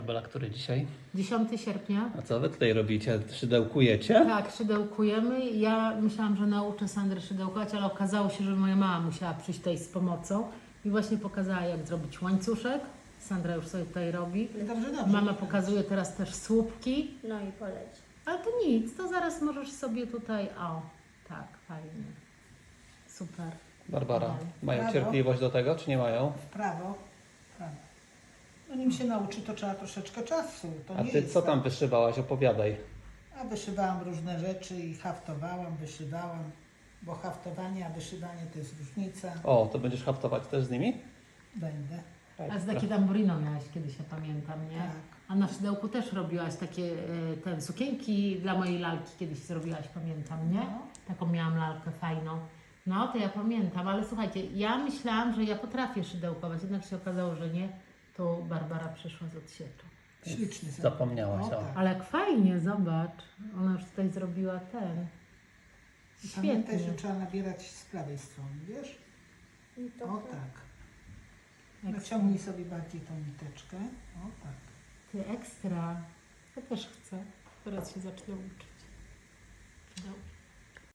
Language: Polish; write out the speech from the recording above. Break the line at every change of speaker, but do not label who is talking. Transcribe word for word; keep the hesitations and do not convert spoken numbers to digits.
Bela, który dzisiaj?
dziesiątego sierpnia.
A co wy tutaj robicie? Szydełkujecie?
Tak, szydełkujemy. Ja myślałam, że nauczę Sandrę szydełkować, ale okazało się, że moja mama musiała przyjść tutaj z pomocą i właśnie pokazała, jak zrobić łańcuszek. Sandra już sobie tutaj robi.
Dobrze, dobrze.
Mama pokazuje teraz też słupki.
No i poleć.
Ale to nic, to zaraz możesz sobie tutaj... O, tak, fajnie. Super.
Barbara, mają
Brawo.
cierpliwość do tego, czy nie mają?
W prawo, w prawo. No nim się nauczy, to trzeba troszeczkę czasu. To
A
nie
ty
jest
co
tak.
tam wyszywałaś? Opowiadaj.
A wyszywałam różne rzeczy i haftowałam, wyszywałam, bo haftowanie, a wyszywanie to jest różnica.
O, to będziesz haftować też z nimi?
Będę.
A z takie tamburino miałaś kiedyś, ja pamiętam, nie?
Tak.
A na szydełku też robiłaś takie e, te sukienki dla mojej lalki kiedyś zrobiłaś, pamiętam, nie?
No.
Taką miałam lalkę fajną. No, to ja pamiętam, ale słuchajcie, ja myślałam, że ja potrafię szydełkować, jednak się okazało, że nie. To Barbara przyszła z odsieku.
Śliczny sobie.
Zapomniałaś, o.
tak.
Ale jak fajnie, zobacz. Ona już tutaj zrobiła ten.
Pamiętaj,
Świetnie.
że trzeba nabierać z prawej strony, wiesz?
I to
O tak. Naciągnij sobie bardziej tą niteczkę. O tak.
Ty ekstra. Ja też chcę. Teraz się zacznę uczyć. Szydełki.